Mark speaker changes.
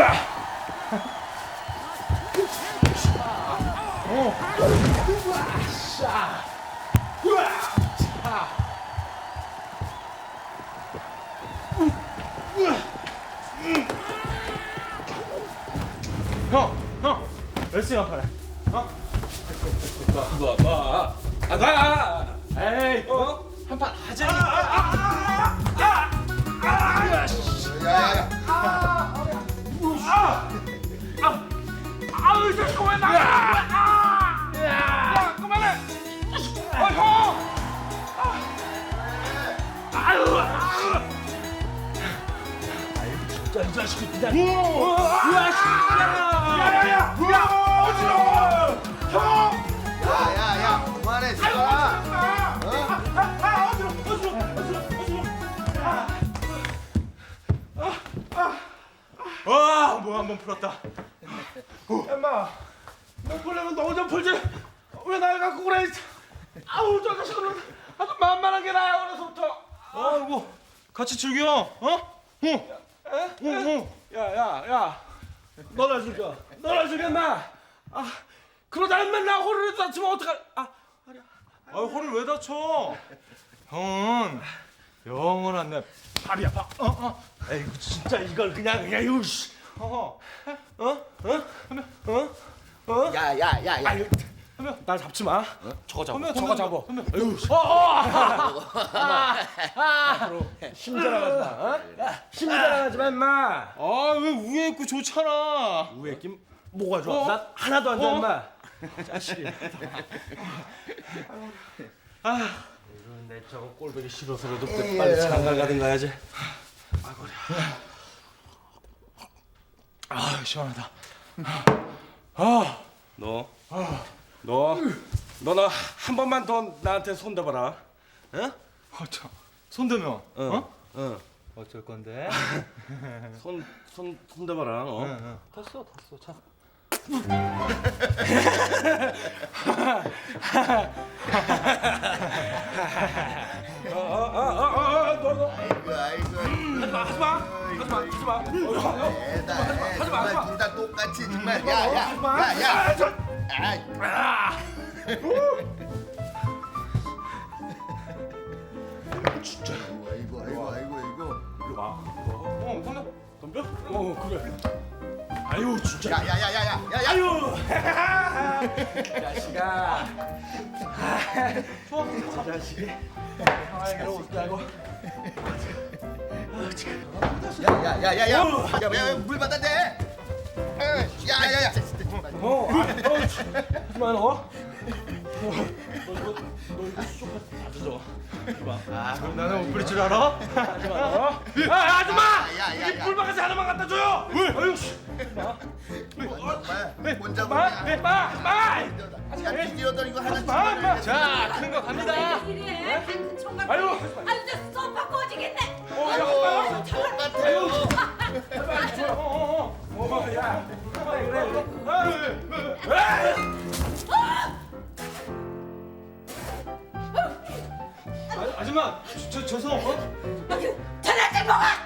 Speaker 1: 형, 열심히 한판해.
Speaker 2: 나.
Speaker 1: 에이, 한판 하자.
Speaker 3: 야야야.
Speaker 2: 아우 자꾸 왜 나가? 야, 그만해. 형. 아유. 진짜 이 자식이 그냥. 야야야. 어지러워. 형.
Speaker 3: 야야야. 그만해 지가.
Speaker 1: 와, 뭐 한 번 풀었다.
Speaker 2: 엄마, 너 풀려면 너 혼자 풀지. 왜 날 갖고 그래? 아우 저 자식은 아주 만만한 게 나야 어려서부터.
Speaker 1: 아이고, 같이 즐겨.
Speaker 2: 야야야, 너나 죽여. 너나 죽여 마. 아, 그러다 맨날 호르를 다치면 어떡할? 아,
Speaker 1: 아, 허리를 왜 다쳐? 형은 영원한 내
Speaker 2: 발이 아파. 에이구 진짜 이걸 그냥 이거 씨.
Speaker 3: 야야야야.
Speaker 2: 아유, 날 잡지 마. 저거 잡아.
Speaker 1: 형,
Speaker 2: 저거 잡아.
Speaker 1: 형,
Speaker 2: 아유, 앞으로 힘자랑하지 마. 힘자랑하지 마, 임마.
Speaker 1: 아, 왜 위에 있고 좋잖아.
Speaker 2: 우에 낌 뭐가 좋아? 난 하나도 안 좋아, 임마. 자식이. 이런 내 저거 꼴보기 싫어서라도 빨리 장가 가든가 해야지.
Speaker 1: 아, 시원하다.
Speaker 2: 너나 한 번만 더 나한테 손대봐라. 응?
Speaker 1: 참, 손대면
Speaker 2: 응.
Speaker 1: 어쩔 건데?
Speaker 2: 손대봐라.
Speaker 1: 탔어, 참.
Speaker 2: 너.
Speaker 3: 아이고.
Speaker 2: 하지 마.
Speaker 3: 정말 둘 다 똑같이 정말. 야야야야.
Speaker 2: 진짜.
Speaker 3: 아이고.
Speaker 2: 덤벼? 그래. 아유 진짜.
Speaker 3: 야야야야야.
Speaker 2: 아유. 자식아. 좋아. 저 자식이. 형에게로 오시라고.
Speaker 3: 야야야야야. 야물 받아 대. 야야야.
Speaker 2: 하지만 너 이거 쑥 다 젖어.
Speaker 1: 나는 못 부릴 줄 알아?
Speaker 2: 아줌마!
Speaker 3: 야야야.
Speaker 2: 이 불바가지 하나만 갖다 줘요. 아유 씨.
Speaker 3: 정말 혼자
Speaker 2: 마.
Speaker 3: 야 비디오도 이거 하나 찍어.
Speaker 1: 자, 큰 거 갑니다.
Speaker 4: 이래 큰 총각.
Speaker 2: 아유.
Speaker 4: 아유 저 소파 꺼지겠네.
Speaker 3: 아유 똑같아요.
Speaker 2: 야.
Speaker 1: 아줌마, 죄송.
Speaker 4: 아유 전화들 먹어.